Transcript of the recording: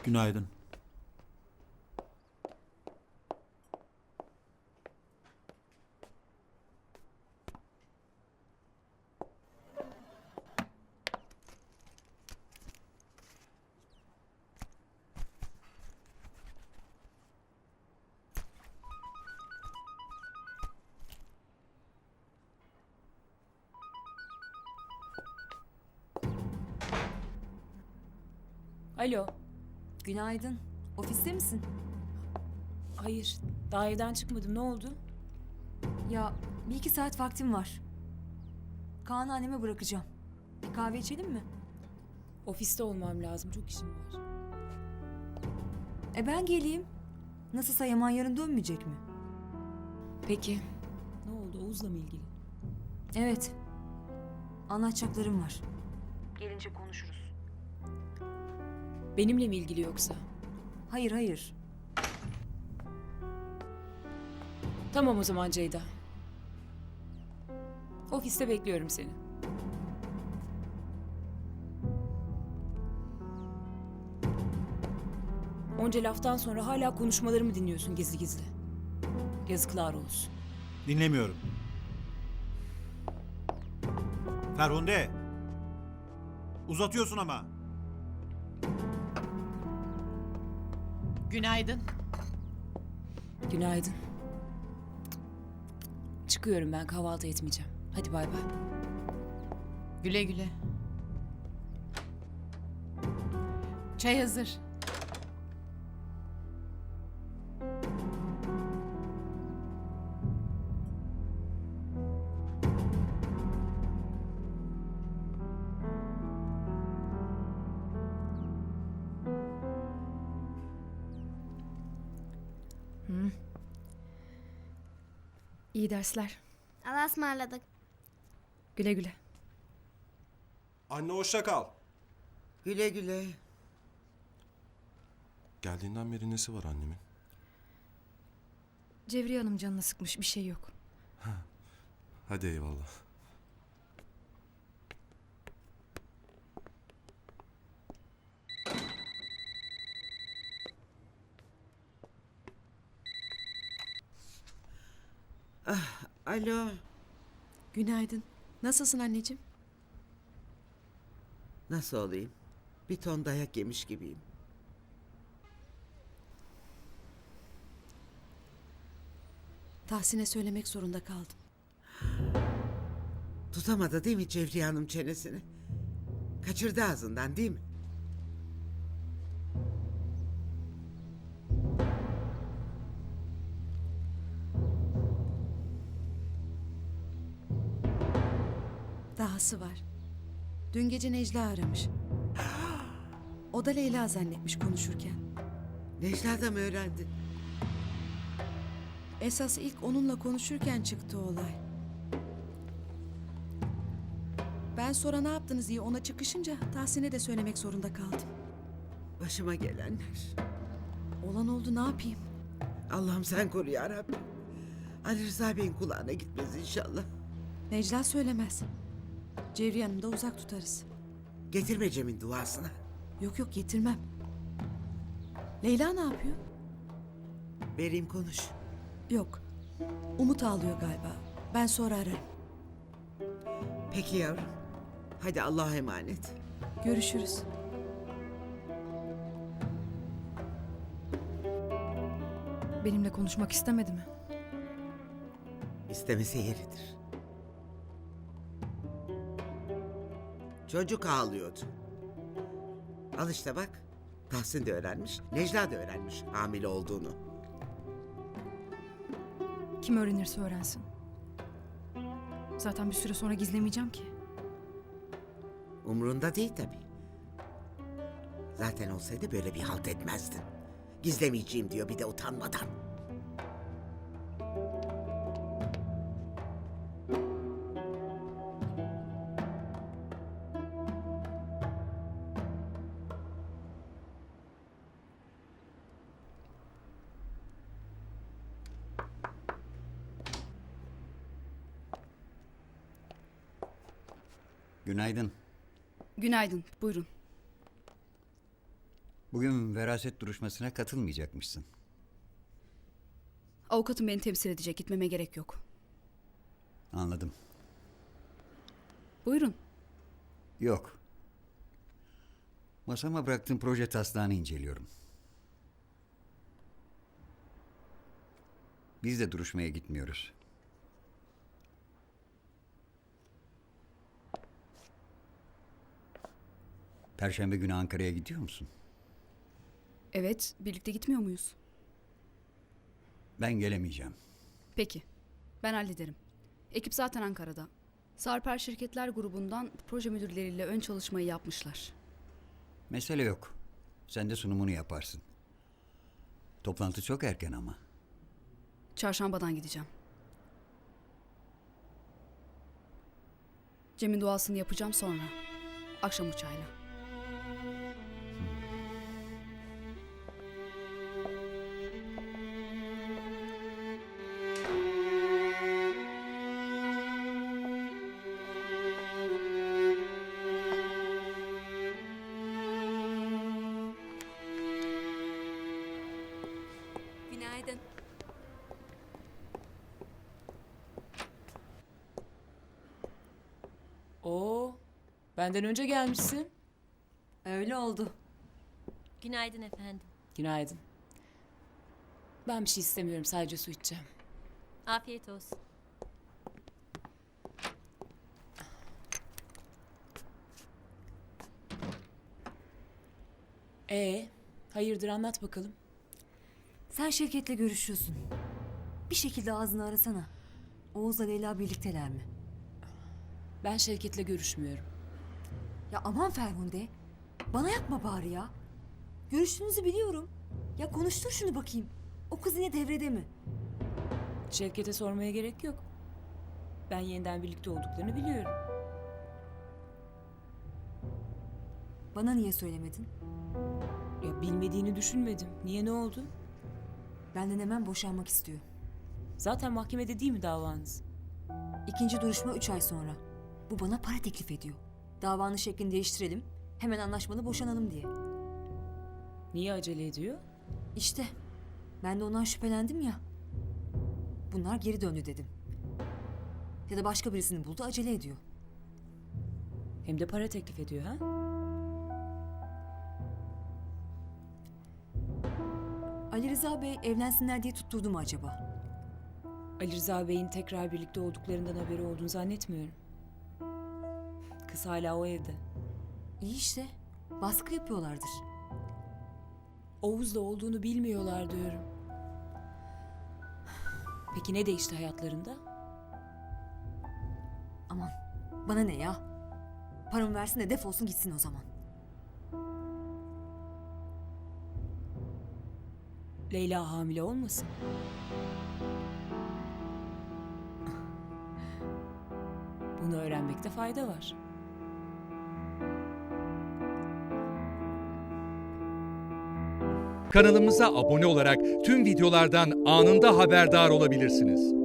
Günaydın. Alo. Günaydın. Ofiste misin? Hayır. Daha evden çıkmadım. Ne oldu? Ya bir iki saat vaktim var. Kaan'ı anneme bırakacağım. Bir kahve içelim mi? Ofiste olmam lazım. Çok işim var. Ben geleyim. Nasılsa Yaman yarın dönmeyecek mi? Peki. Ne oldu? Oğuz'la mı ilgili? Evet. Anlatacaklarım var. Gelince konuşuruz. Benimle mi ilgili yoksa? Hayır hayır. Tamam o zaman Ceyda. Ofiste bekliyorum seni. Onca laftan sonra hala konuşmalarımı dinliyorsun gizli gizli. Yazıklar olsun. Dinlemiyorum. Ferhunde. Uzatıyorsun ama. Günaydın. Günaydın. Çıkıyorum ben, kahvaltı etmeyeceğim. Hadi bay bay. Güle güle. Çay hazır. İyi dersler. Allah'a ısmarladık. Güle güle. Anne hoşça kal. Güle güle. Geldiğinden beri nesi var annemin? Cevriye Hanım canını sıkmış, bir şey yok. Hadi eyvallah. Alo. Günaydın. Nasılsın anneciğim? Nasıl olayım? Bir ton dayak yemiş gibiyim. Tahsin'e söylemek zorunda kaldım. Tutamadı değil mi Cevriye Hanım çenesini? Kaçırdı ağzından değil mi? Dahası var. Dün gece Necla aramış. O da Leyla zannetmiş konuşurken. Necla da mı öğrendi? Esas ilk onunla konuşurken çıktı olay. Ben sonra ne yaptınız diye ona çıkışınca Tahsin'e de söylemek zorunda kaldım. Başıma gelenler. Olan oldu, ne yapayım? Allah'ım sen koru ya Rabbim. Ali Rıza Bey'in kulağına gitmez inşallah. Necla söylemez. Cevriye Hanım da uzak tutarız. Getirme Cem'in duasına. Yok yok, getirmem. Leyla ne yapıyor? Vereyim konuş. Yok. Umut ağlıyor galiba. Ben sonra ararım. Peki yavrum. Hadi Allah'a emanet. Görüşürüz. Benimle konuşmak istemedi mi? İstemese yeridir. Çocuk ağlıyordu. Al işte bak. Tahsin de öğrenmiş. Necla da öğrenmiş hamile olduğunu. Kim öğrenirse öğrensin. Zaten bir süre sonra gizlemeyeceğim ki. Umrunda değil tabii. Zaten olsaydı böyle bir halt etmezdin. Gizlemeyeceğim diyor bir de utanmadan. Günaydın. Günaydın, buyurun. Bugün veraset duruşmasına katılmayacakmışsın. Avukatım beni temsil edecek. Gitmeme gerek yok. Anladım. Buyurun. Yok. Masama bıraktığım proje taslağını inceliyorum. Biz de duruşmaya gitmiyoruz. Perşembe günü Ankara'ya gidiyor musun? Evet, birlikte gitmiyor muyuz? Ben gelemeyeceğim. Peki. Ben hallederim. Ekip zaten Ankara'da. Sarper Şirketler Grubu'ndan proje müdürleriyle ön çalışmayı yapmışlar. Mesele yok. Sen de sunumunu yaparsın. Toplantı çok erken ama. Çarşambadan gideceğim. Cem'in duasını yapacağım sonra. Akşam uçağıyla. Günaydın. Oo, benden önce gelmişsin. Öyle oldu. Günaydın efendim. Günaydın. Ben bir şey istemiyorum, sadece su içeceğim. Afiyet olsun. Hayırdır, anlat bakalım. Sen Şevket'le görüşüyorsun. Bir şekilde ağzını arasana. Oğuz'la Leyla birlikteler mi? Ben Şevket'le görüşmüyorum. Ya aman Ferhunde. Bana yapma bari ya. Görüştüğünüzü biliyorum. Ya konuştur şunu bakayım. O kız yine devrede mi? Şevket'e sormaya gerek yok. Ben yeniden birlikte olduklarını biliyorum. Bana niye söylemedin? Ya bilmediğini düşünmedim. Niye, ne oldu? Benden hemen boşanmak istiyor. Zaten mahkemede değil mi davanız? İkinci duruşma 3 ay sonra. Bu bana para teklif ediyor. Davanın şeklini değiştirelim. Hemen anlaşmalı boşanalım diye. Niye acele ediyor? İşte ben de ondan şüphelendim ya. Bunlar geri döndü dedim. Ya da başka birisini buldu, acele ediyor. Hem de para teklif ediyor ha? Ali Rıza Bey evlensinler diye tutturdu mu acaba? Ali Rıza Bey'in tekrar birlikte olduklarından haberi olduğunu zannetmiyorum. Kız hala o evde. İyi işte. Baskı yapıyorlardır. Oğuz'la olduğunu bilmiyorlar diyorum. Peki ne değişti hayatlarında? Aman bana ne ya? Paramı versin de defolsun gitsin o zaman. Leyla hamile olmasın? Bunu öğrenmekte fayda var. Kanalımıza abone olarak tüm videolardan anında haberdar olabilirsiniz.